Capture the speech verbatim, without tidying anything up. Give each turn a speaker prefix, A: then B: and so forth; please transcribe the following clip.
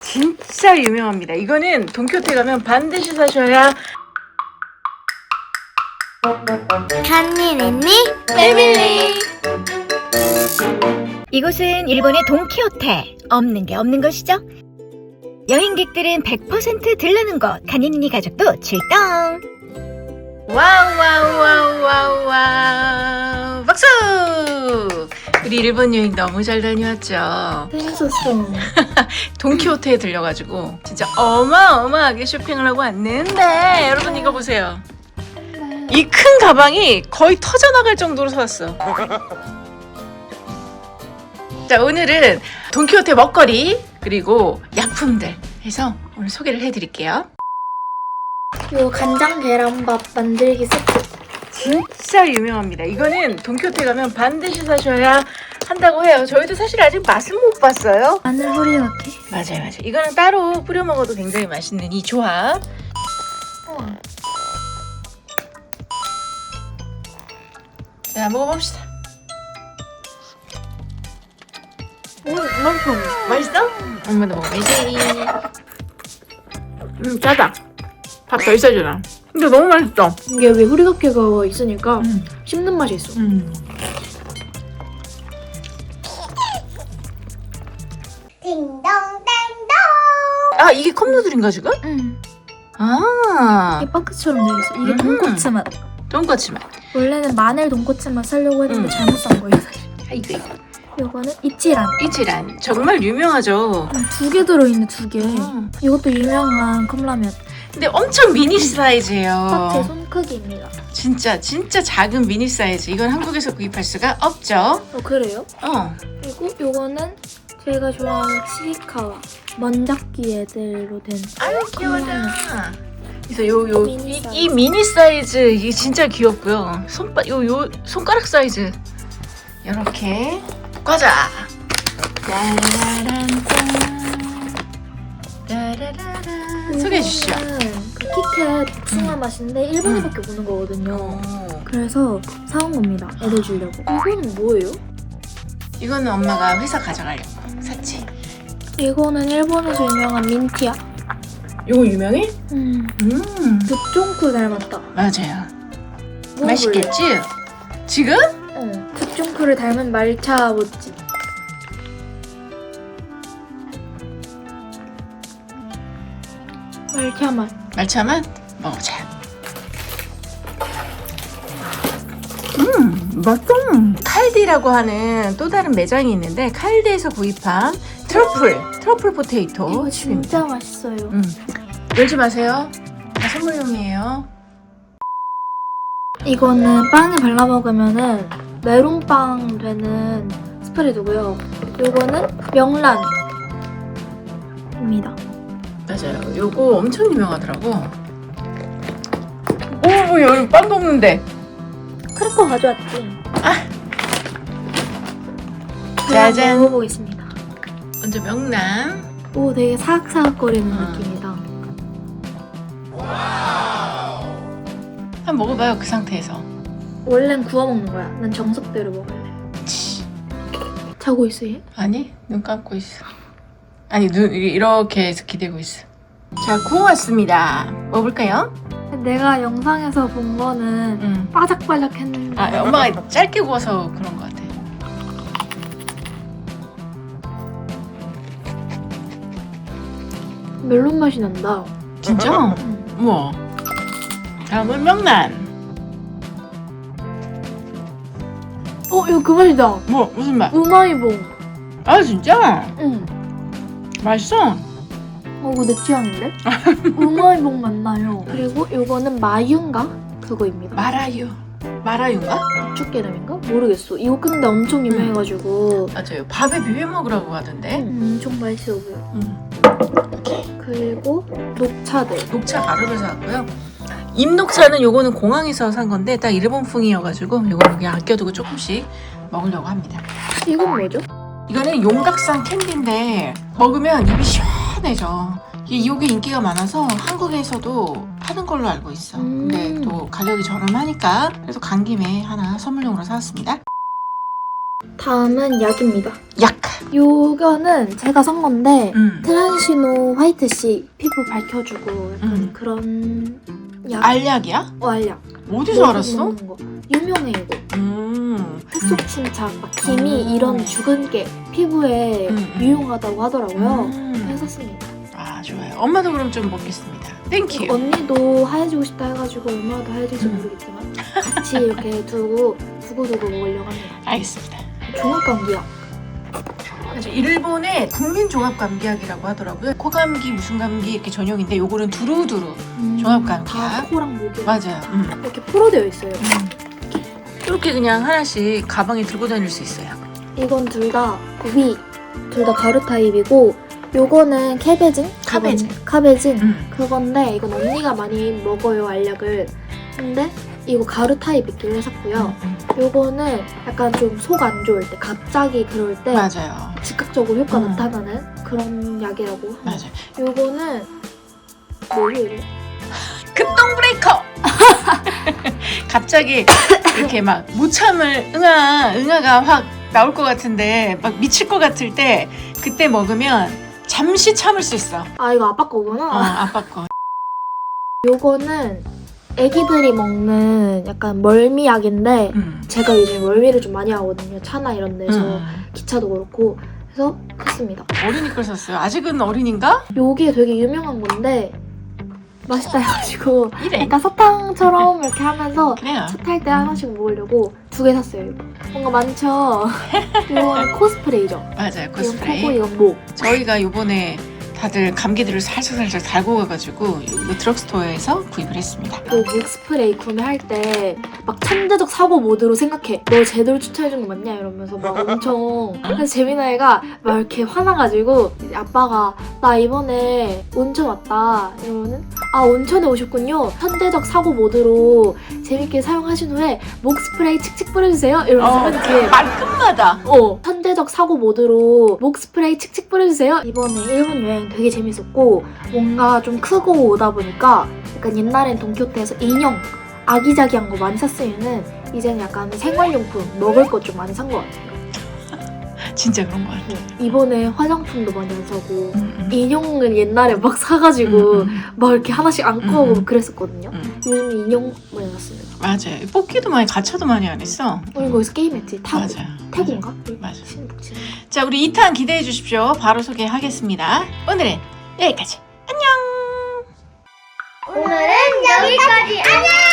A: 진짜 유명합니다. 이거는 돈키호테 가면 반드시 사셔야
B: 한니네니 패밀리.
C: 이곳은 일본의 돈키호테. 없는 게 없는 것이죠. 여행객들은 백 퍼센트 들르는 곳. 가니니니 가족도 출동.
A: 와우 와우 와우 와우 와우 박수! 우리 일본 여행 너무 잘 다녀왔죠.
B: 재밌었어.
A: 돈키호테에 들려가지고 진짜 어마어마하게 쇼핑을 하고 왔는데 여러분 이거 보세요. 이 큰 가방이 거의 터져나갈 정도로 사왔어. 자, 오늘은 돈키호테 먹거리 그리고 약품들 해서 오늘 소개를 해드릴게요.
B: 요 간장 계란밥 만들기 세트.
A: 진짜 유명합니다. 이거는 돈키호테 가면 반드시 사셔야 한다고 해요. 저희도 사실 아직 맛은 못 봤어요.
B: 마늘 후리와케.
A: 맞아요, 맞아요. 이거는 따로 뿌려 먹어도 굉장히 맛있는 이 조합.
B: 우와.
A: 자, 먹어봅시다.
B: 오, 맛있어.
A: 맛있어? 엄마도 먹어야지. 음, 짜다. 밥 덜 싸주나. 근데 너무 맛있어.
B: 이게 왜 후리와케가 있으니까
A: 음.
B: 씹는 맛이 있어.
A: 음.
B: 딩동댕동.
A: 아, 이게 컵누들인가 지금?
B: 응.
A: 아,
B: 이게 빵크처럼 되어 있어. 이게
A: 음.
B: 돈코츠 맛.
A: 돈까스 맛.
B: 원래는 마늘 돈코츠 맛 사려고 했는데
A: 음.
B: 잘못 산 거예요, 사실.
A: 아이고, 이거.
B: 요거는 이치란.
A: 이치란. 정말 유명하죠.
B: 두 개 들어있네, 두 개.
A: 음.
B: 이것도 유명한 컵라면.
A: 근데 엄청 미니 사이즈예요.
B: 딱 제 손 크기입니다.
A: 진짜 진짜 작은 미니 사이즈. 이건 한국에서 구입할 수가 없죠.
B: 어, 그래요?
A: 어.
B: 그리고 요거는 제가 좋아하는 치리카와 먼작기 애들로 된
A: 아유 귀여워라. 그래서 요 요 이
B: 미니
A: 이 미니 사이즈 이게 진짜 귀엽고요. 손바 요 요 손가락 사이즈 이렇게 과자. 짜라란 짠. 짜라라란. 소개해 주시죠.
B: 이거는 그 키캣 복숭아 맛인데 일본에밖에 없는 거거든요.
A: 오.
B: 그래서 사온 겁니다. 애들 주려고. 이거는 뭐예요?
A: 이거는 엄마가 회사 가져가려고 샀지.
B: 이거는 일본에서 유명한 민티야.
A: 이거 유명해?
B: 음.
A: 음.
B: 굿종쿠 닮았다.
A: 맞아요.
B: 먹어볼래?
A: 맛있겠지? 지금?
B: 어. 굿종쿠를 닮은 말차 모찌. 말차 맛.
A: 말차만 먹어보자. 음, 맛있어. 칼디라고 하는 또 다른 매장이 있는데 칼디에서 구입한 트러플, 트러플 포테이토
B: 이거
A: 칩입니다.
B: 진짜 맛있어요.
A: 음, 열지 마세요. 다 선물용이에요.
B: 이거는 빵에 발라 먹으면은 메론빵 되는 스프레드고요. 이거는 명란입니다.
A: 맞아요. 요거 엄청 유명하더라고. 오, 여기 빵도 없는데.
B: 크래커 가져왔지.
A: 짜잔.
B: 먹어보겠습니다.
A: 먼저 명란.
B: 오, 되게 사각사각거리는
A: 음.
B: 느낌이다.
A: 한번 먹어봐요. 그 상태에서.
B: 원래는 구워 먹는 거야. 난 정석대로 먹을래.
A: 치.
B: 자고 있어 얘?
A: 아니, 눈 감고 있어. 아니, 눈 이렇게 해서 기대고 있어. 자, 구워왔습니다. 먹어볼까요?
B: 내가 영상에서 본 거는
A: 응.
B: 바삭바삭 했는데.
A: 아, 엄마가 짧게 구워서 그런 것 같아.
B: 멜론 맛이 난다.
A: 진짜?
B: 응.
A: 우와. 다음은 명란.
B: 어, 이거 그 맛이다.
A: 뭐, 무슨 맛?
B: 우마이봉.
A: 아, 진짜?
B: 응.
A: 맛있어?
B: 어, 이거 내 취향인데? 우마이봉 맞나요? 그리고 이거는 마유인가? 그거입니다.
A: 마라유. 마라유인가?
B: 고추기름인가? 모르겠어. 이거 근데 엄청 유명해가지고
A: 맞아요. 밥에 비벼 먹으라고 하던데.
B: 음, 엄청 맛있어 보여.
A: 음.
B: 그리고 녹차들.
A: 녹차 가루를 사왔고요. 잎녹차는 요거는 공항에서 산 건데 딱 일본풍이어가지고 요거 그냥 아껴두고 조금씩 먹으려고 합니다.
B: 이건 뭐죠?
A: 이거는 용각산 캔디인데 먹으면 입이 시원해져. 이게 요게 인기가 많아서 한국에서도 파는 걸로 알고 있어.
B: 음.
A: 근데 또 가격이 저렴하니까 그래서 간 김에 하나 선물용으로 사왔습니다.
B: 다음은 약입니다.
A: 약.
B: 요거는 제가 산 건데
A: 음.
B: 트란시노 화이트씨 피부 밝혀주고 약간
A: 음.
B: 그런 약.
A: 알약이야?
B: 어, 알약.
A: 어디서 알았어?
B: 먹는 거. 유명해 이거.
A: 음.
B: 햇속 침착, 막 기미
A: 음.
B: 이런 주근깨 피부에
A: 음, 음.
B: 유용하다고 하더라고요.
A: 음.
B: 그래서 샀습니다.
A: 아 좋아요. 엄마도 그럼 좀 먹겠습니다. 땡큐.
B: 언니도 하얘지고 싶다 해가지고 얼마나 더 하얘질지
A: 음.
B: 모르겠지만 같이 이렇게 두고 두고두고 먹으려고 합니다.
A: 알겠습니다.
B: 종합감기약.
A: 그래서 일본의 국민 종합 감기약이라고 하더라고요. 코감기, 무슨 감기 이렇게 전용인데 요거는 두루두루. 종합감기약.
B: 다 코랑 목이
A: 맞아요. 음.
B: 이렇게 포로되어 있어요.
A: 이렇게 그냥 하나씩 가방에 들고 다닐 수 있어요.
B: 이건 둘 다 위, 둘 다 가루 타입이고 요거는 캐베진?
A: 카베진.
B: 그건- 카베진.
A: 음.
B: 그건데 이건 언니가 많이 먹어요 알약을. 근데 이거 가루 타입 있길래 샀고요.
A: 음,
B: 요거는 약간 좀 속 안 좋을 때 갑자기 그럴 때
A: 맞아요.
B: 즉각적으로 효과
A: 음.
B: 나타나는 그런 약이라고 합니다.
A: 맞아요.
B: 요거는 뭐예요? 이거?
A: 급동 브레이커. 갑자기 이렇게 막 무참을 응아 응아가 확 나올 것 같은데 막 미칠 것 같을 때 그때 먹으면 잠시 참을 수 있어.
B: 아 이거 아빠 거구나.
A: 어, 아빠 거.
B: 요거는 애기들이 먹는 약간 멀미약인데
A: 음.
B: 제가 요즘 멀미를 좀 많이 하거든요. 차나 이런 데서
A: 음.
B: 기차도 그렇고 그래서 샀습니다.
A: 어린이 걸 샀어요. 아직은 어린인가?
B: 요게 되게 유명한 건데 맛있다 해가지고
A: 이래.
B: 약간 사탕처럼 이렇게 하면서
A: 그래요.
B: 차 탈 때 하나씩 먹으려고 두 개 샀어요. 이거. 뭔가 많죠? 이거는 코스프레이죠.
A: 맞아요.
B: 이건
A: 코스프레이.
B: 코고 이건 목.
A: 저희가 요번에 다들 감기들을 살짝살짝 달고 가가지고 이거 드럭스토어에서 구입을 했습니다.
B: 그 목 스프레이 구매할 때 막 천재적 사고 모드로 생각해. 너 제대로 추천해준 거 맞냐? 이러면서 막 엄청. 그래서 재민아 애가 막 이렇게 화나가지고 이제 아빠가 나 이번에 온천 왔다. 이러면은 아 온천에 오셨군요. 천재적 사고 모드로 재밌게 사용하신 후에 목 스프레이 칙칙 뿌려주세요. 이러면서
A: 어,
B: 이렇게
A: 말끝마다.
B: 어, 천재적 사고 모드로 목 스프레이 칙칙 뿌려주세요. 이번에 일본 여행 되게 재밌었고 뭔가 좀 크고 오다 보니까 약간 옛날엔 돈키호테에서 인형 아기자기한 거 많이 샀으면은 이제는 약간 생활용품 먹을 것 좀 많이 산 것 같아요.
A: 진짜 그런 거 같아.
B: 이번에 화장품도 많이 안 사고
A: 음, 음.
B: 인형을 옛날에 막 사가지고
A: 음, 음.
B: 막 이렇게 하나씩 안고
A: 음,
B: 하고
A: 음.
B: 막 그랬었거든요.
A: 음.
B: 요즘 인형 많이 샀습니다.
A: 맞아요. 뽑기도 많이 가차도 많이 안 했어.
B: 우리 거기서 게임했지. 타고.
A: 맞아요.
B: 태국인가?
A: 맞아요.
B: 신북치.
A: 자, 우리 이 탄 기대해 주십시오. 바로 소개하겠습니다. 오늘은 여기까지. 안녕.
D: 오늘은 여기까지. 안녕!